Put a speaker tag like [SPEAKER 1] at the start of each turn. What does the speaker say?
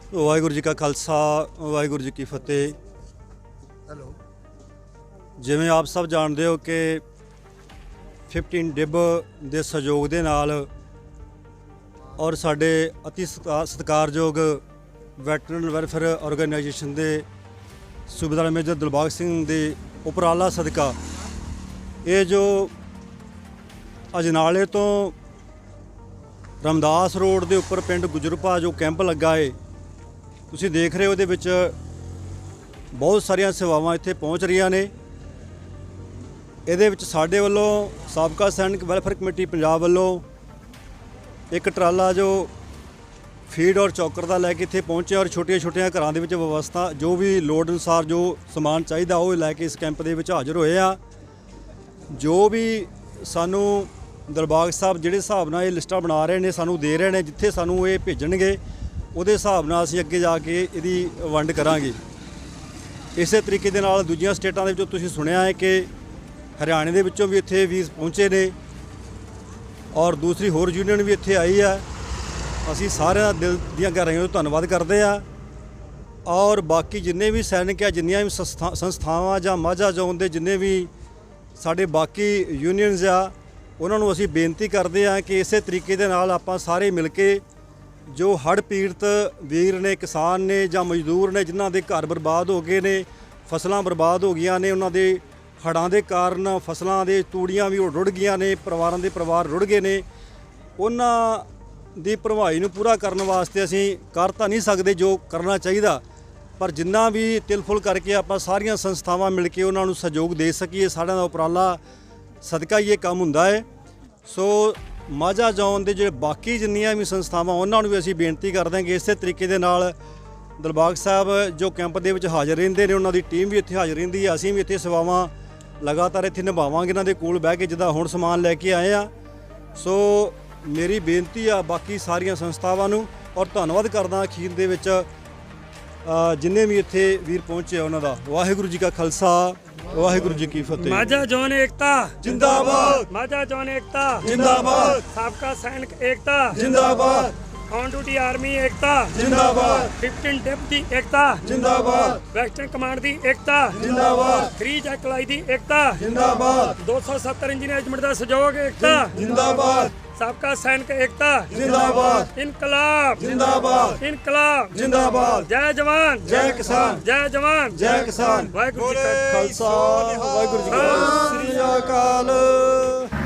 [SPEAKER 1] ਵਾਹਿਗੁਰੂ ਜੀ ਕਾ ਖਾਲਸਾ ਵਾਹਿਗੁਰੂ ਜੀ ਕੀ ਫਤਿਹ।
[SPEAKER 2] ਹੈਲੋ।
[SPEAKER 1] ਜਿਵੇਂ ਆਪ ਸਭ ਜਾਣਦੇ ਹੋ ਕਿ 15 ਡਿਬ ਦੇ ਸਹਿਯੋਗ ਦੇ ਨਾਲ ਔਰ ਸਾਡੇ ਅਤੀ ਸਤਿਕਾਰਯੋਗ ਵੈਟਰਨ ਵੈਲਫੇਅਰ ਆਰਗੇਨਾਈਜੇਸ਼ਨ ਦੇ ਸੂਬੇਦਾਰ ਮੇਜਰ ਦਿਲਬਾਗ ਸਿੰਘ ਦੇ ਉਪਰਾਲਾ ਸਦਕਾ ਇਹ ਜੋ ਅਜਨਾਲੇ ਤੋਂ ਰਮਦਾਸ ਰੋਡ ਦੇ ਉੱਪਰ ਪਿੰਡ ਗੁਜਰਪਾ ਜੋ ਕੈਂਪ ਲੱਗਾ ਏ, ਤੁਸੀਂ ਦੇਖ ਰਹੇ ਹੋ ਉਹਦੇ ਵਿੱਚ ਬਹੁਤ ਸਾਰੀਆਂ ਸੇਵਾਵਾਂ ਇੱਥੇ ਪਹੁੰਚ ਰਹੀਆਂ ਨੇ। ਇਹਦੇ ਵਿੱਚ ਸਾਡੇ ਵੱਲੋਂ ਸਾਬਕਾ ਸੈਨਿਕ ਵੈਲਫੇਅਰ ਕਮੇਟੀ ਪੰਜਾਬ ਵੱਲੋਂ ਇੱਕ ਟਰਾਲਾ ਜੋ ਫੀਡ ਔਰ ਚੌਕਰ ਦਾ ਲੈ ਕੇ ਇੱਥੇ ਪਹੁੰਚਿਆ ਔਰ ਛੋਟੀਆਂ ਘਰਾਂ ਦੇ ਵਿੱਚ ਵਿਵਸਥਾ ਜੋ ਵੀ ਲੋੜ ਅਨੁਸਾਰ ਜੋ ਸਮਾਨ ਚਾਹੀਦਾ ਉਹ ਲੈ ਕੇ ਇਸ ਕੈਂਪ ਦੇ ਵਿੱਚ ਹਾਜ਼ਰ ਹੋਏ ਆ। ਜੋ ਵੀ ਸਾਨੂੰ ਦਿਲਬਾਗ ਸਾਹਿਬ ਜਿਹੜੇ ਹਿਸਾਬ ਨਾਲ ਇਹ ਲਿਸਟਾਂ ਬਣਾ ਰਹੇ ਨੇ ਸਾਨੂੰ ਦੇ ਰਹੇ ਨੇ, ਜਿੱਥੇ ਸਾਨੂੰ ਇਹ ਭੇਜਣਗੇ ਉਹਦੇ ਹਿਸਾਬ ਨਾਲ ਅਸੀਂ ਅੱਗੇ ਜਾ ਕੇ ਇਹਦੀ ਵੰਡ ਕਰਾਂਗੇ। ਇਸੇ ਤਰੀਕੇ ਦੇ ਨਾਲ ਦੂਜੀਆਂ ਸਟੇਟਾਂ ਦੇ ਵਿੱਚੋਂ ਤੁਸੀਂ ਸੁਣਿਆ ਹੈ ਕਿ ਹਰਿਆਣੇ ਦੇ ਵਿੱਚੋਂ ਵੀ ਇੱਥੇ ਵੀਰ ਪਹੁੰਚੇ ਨੇ ਔਰ ਦੂਸਰੀ ਹੋਰ ਯੂਨੀਅਨ ਵੀ ਇੱਥੇ ਆਈ ਆ। ਅਸੀਂ ਸਾਰਿਆਂ ਦਾ ਦਿਲ ਦੀਆਂ ਗਹਿਰਾਈਆਂ ਤੋਂ ਧੰਨਵਾਦ ਕਰਦੇ ਆ। ਔਰ ਬਾਕੀ ਜਿੰਨੇ ਵੀ ਸੈਨਿਕ ਆ, ਜਿੰਨੀਆਂ ਵੀ ਸੰਸਥਾਵਾਂ ਜਾਂ ਮਾਝਾ ਜ਼ੋਨ ਦੇ ਜਿੰਨੇ ਵੀ ਸਾਡੇ ਬਾਕੀ ਯੂਨੀਅਨਸ ਆ, ਉਹਨਾਂ ਨੂੰ ਅਸੀਂ ਬੇਨਤੀ ਕਰਦੇ ਆ ਕਿ ਇਸੇ ਤਰੀਕੇ ਦੇ ਨਾਲ ਆਪਾਂ ਸਾਰੇ ਮਿਲ ਕੇ ਜੋ ਹੜ੍ਹ ਪੀੜਤ ਵੀਰ ਨੇ, ਕਿਸਾਨ ਨੇ ਜਾਂ ਮਜ਼ਦੂਰ ਨੇ ਜਿਨ੍ਹਾਂ ਦੇ ਘਰ ਬਰਬਾਦ ਹੋ ਗਏ ਨੇ, ਫਸਲਾਂ ਬਰਬਾਦ ਹੋ ਗਈਆਂ ਨੇ, ਉਹਨਾਂ ਦੇ ਹੜ੍ਹਾਂ ਦੇ ਕਾਰਨ ਫਸਲਾਂ ਦੇ ਤੂੜੀਆਂ ਵੀ ਰੁੜ ਗਈਆਂ ਨੇ, ਪਰਿਵਾਰਾਂ ਦੇ ਪਰਿਵਾਰ ਰੁੜ ਗਏ ਨੇ, ਉਹਨਾਂ ਦੀ ਭਰਵਾਈ ਨੂੰ ਪੂਰਾ ਕਰਨ ਵਾਸਤੇ ਅਸੀਂ ਕਰ ਤਾਂ ਨਹੀਂ ਸਕਦੇ ਜੋ ਕਰਨਾ ਚਾਹੀਦਾ, ਪਰ ਜਿੰਨਾ ਵੀ ਤਿਲਫੁਲ ਕਰਕੇ ਆਪਾਂ ਸਾਰੀਆਂ ਸੰਸਥਾਵਾਂ ਮਿਲ ਕੇ ਉਹਨਾਂ ਨੂੰ ਸਹਿਯੋਗ ਦੇ ਸਕੀਏ, ਸਾਰਿਆਂ ਦਾ ਉਪਰਾਲਾ ਸਦਕਾ ਹੀ ਇਹ ਕੰਮ ਹੁੰਦਾ ਹੈ। ਸੋ ਮਾਝਾ ਜ਼ੋਨ ਦੇ ਜਿਹੜੇ ਬਾਕੀ ਜਿੰਨੀਆਂ ਵੀ ਸੰਸਥਾਵਾਂ ਉਹਨਾਂ ਨੂੰ ਵੀ ਅਸੀਂ ਬੇਨਤੀ ਕਰਦੇ ਹਾਂ ਕਿ ਇਸੇ ਤਰੀਕੇ ਦੇ ਨਾਲ ਦਿਲਬਾਗ ਸਾਹਿਬ ਜੋ ਕੈਂਪ ਦੇ ਵਿੱਚ ਹਾਜ਼ਰ ਰਹਿੰਦੇ ਨੇ, ਉਹਨਾਂ ਦੀ ਟੀਮ ਵੀ ਇੱਥੇ ਹਾਜ਼ਰ ਰਹਿੰਦੀ ਹੈ। ਅਸੀਂ ਵੀ ਇੱਥੇ ਸੇਵਾਵਾਂ ਲਗਾਤਾਰ ਇੱਥੇ ਨਿਭਾਵਾਂਗੇ ਇਹਨਾਂ ਦੇ ਕੋਲ ਬਹਿ ਕੇ, ਜਿੱਦਾਂ ਹੁਣ ਸਮਾਨ ਲੈ ਕੇ ਆਏ ਆ। ਸੋ ਮੇਰੀ ਬੇਨਤੀ ਆ ਬਾਕੀ ਸਾਰੀਆਂ ਸੰਸਥਾਵਾਂ ਨੂੰ ਔਰ ਧੰਨਵਾਦ ਕਰਦਾ ਅਖੀਰ ਦੇ ਵਿੱਚ ਜਿੰਨੇ ਵੀ ਇੱਥੇ ਵੀਰ ਪਹੁੰਚੇ ਉਹਨਾਂ ਦਾ। ਵਾਹਿਗੁਰੂ ਜੀ ਕਾ ਖਾਲਸਾ ਵਾਹਿਗੁਰੂ ਜੀ ਕੀ ਫਤਿਹ।
[SPEAKER 3] माझा जोन एकता
[SPEAKER 1] ਜਿੰਦਾਬਾਦ,
[SPEAKER 3] माझा जोन एकता
[SPEAKER 1] ਜਿੰਦਾਬਾਦ,
[SPEAKER 3] साबका सैनिक एकता
[SPEAKER 1] ਜਿੰਦਾਬਾਦ,
[SPEAKER 3] ऑन ड्यूटी आर्मी एकता
[SPEAKER 1] ਜਿੰਦਾਬਾਦ,
[SPEAKER 3] 15 डिप दी एकता
[SPEAKER 1] ਜਿੰਦਾਬਾਦ,
[SPEAKER 3] वेस्टर्न कमांड दी एकता
[SPEAKER 1] ਜਿੰਦਾਬਾਦ,
[SPEAKER 3] 3 जैकलाई दी एकता
[SPEAKER 1] ਜਿੰਦਾਬਾਦ,
[SPEAKER 3] 270 इंजीनियर रेजिमेंट दा सहयोग एकता
[SPEAKER 1] ਜਿੰਦਾਬਾਦ,
[SPEAKER 3] साबका सैनिक एकता
[SPEAKER 1] ਜਿੰਦਾਬਾਦ,
[SPEAKER 3] इनकलाब
[SPEAKER 1] ਜਿੰਦਾਬਾਦ,
[SPEAKER 3] इनकलाब
[SPEAKER 1] ਜਿੰਦਾਬਾਦ।
[SPEAKER 3] जय जवान
[SPEAKER 1] ਜੈ ਕਿਸਾਨ,
[SPEAKER 3] जय जवान
[SPEAKER 1] ਜੈ ਕਿਸਾਨ।
[SPEAKER 3] वाहिगुरू जी का
[SPEAKER 1] ਖਾਲਸਾ ਵਾਹਿਗੁਰੂ ਜੀ ਕੀ ਫਤਿਹ। ਸ੍ਰੀ ਅਕਾਲ।